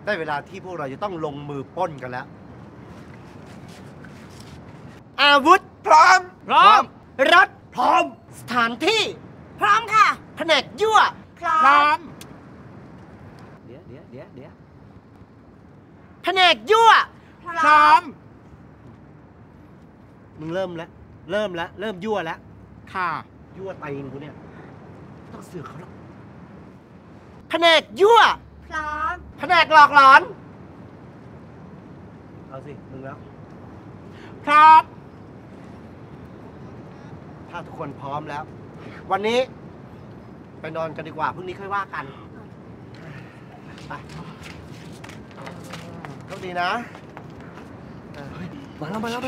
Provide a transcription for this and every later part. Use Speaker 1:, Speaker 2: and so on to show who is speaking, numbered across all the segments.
Speaker 1: ได้เวลาที่พวกเราจะต้องลงมือปล้นกันแล้ว อาวุธพร้อม
Speaker 2: พร้อม
Speaker 1: รถพร้อม สถานที่
Speaker 3: พร้อมค่ะ
Speaker 1: แผนกยั่ว
Speaker 3: พร้อ
Speaker 2: พร้อ
Speaker 3: ม
Speaker 2: ม เดี๋ยว
Speaker 1: แผนกยั่ว
Speaker 2: พร้อม
Speaker 1: มึงเริ่มแล้ว เริ่มยั่วแล้ว
Speaker 2: ค่ะ
Speaker 1: ยั่วตีนกูเนี่ยต้องเสือกเขาหรอกแผนกยั่ว
Speaker 3: พร้อม
Speaker 1: แผนกหลอกหลอน เอาสิ มึงแล้ว
Speaker 2: พร้อม
Speaker 1: ถ้าทุกคนพร้อมแล้ว วันนี้ ไปนอนกันดีกว่าพรุ่งนี้ค่อยว่ากัน ไปโชคดีนะมาแล้ว
Speaker 3: มาดาม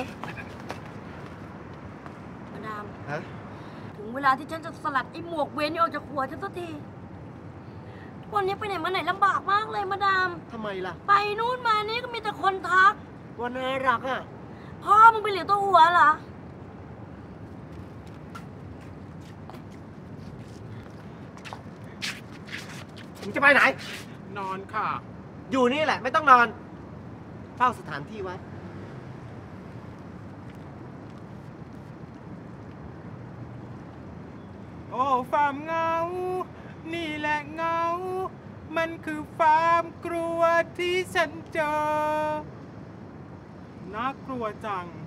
Speaker 1: ฮะ
Speaker 3: ถึงเวลาที่ฉันจะสลัดไอ้หมวกเวนนี่ออกจากหัวฉันสักที วันนี้ไปไหนมาไหนลำบากมากเลยมาดาม
Speaker 1: ทำไมล่ะ
Speaker 3: ไปนู่นมานี่ก็มีแต่คนทัก
Speaker 1: วันน่ารักอ่ะ
Speaker 3: พ่อมึงไปเหลียวตัวหัวเหรอ
Speaker 1: มึงจะไปไหน
Speaker 2: นอนค่ะ
Speaker 1: อยู่นี่แหละ ไม่ต้องนอน เฝ้าสถานที่ไว้
Speaker 2: โอ้ความเหงา นี่แหละเหงา มันคือความกลัวที่ฉันเจอ น่ากลัวจัง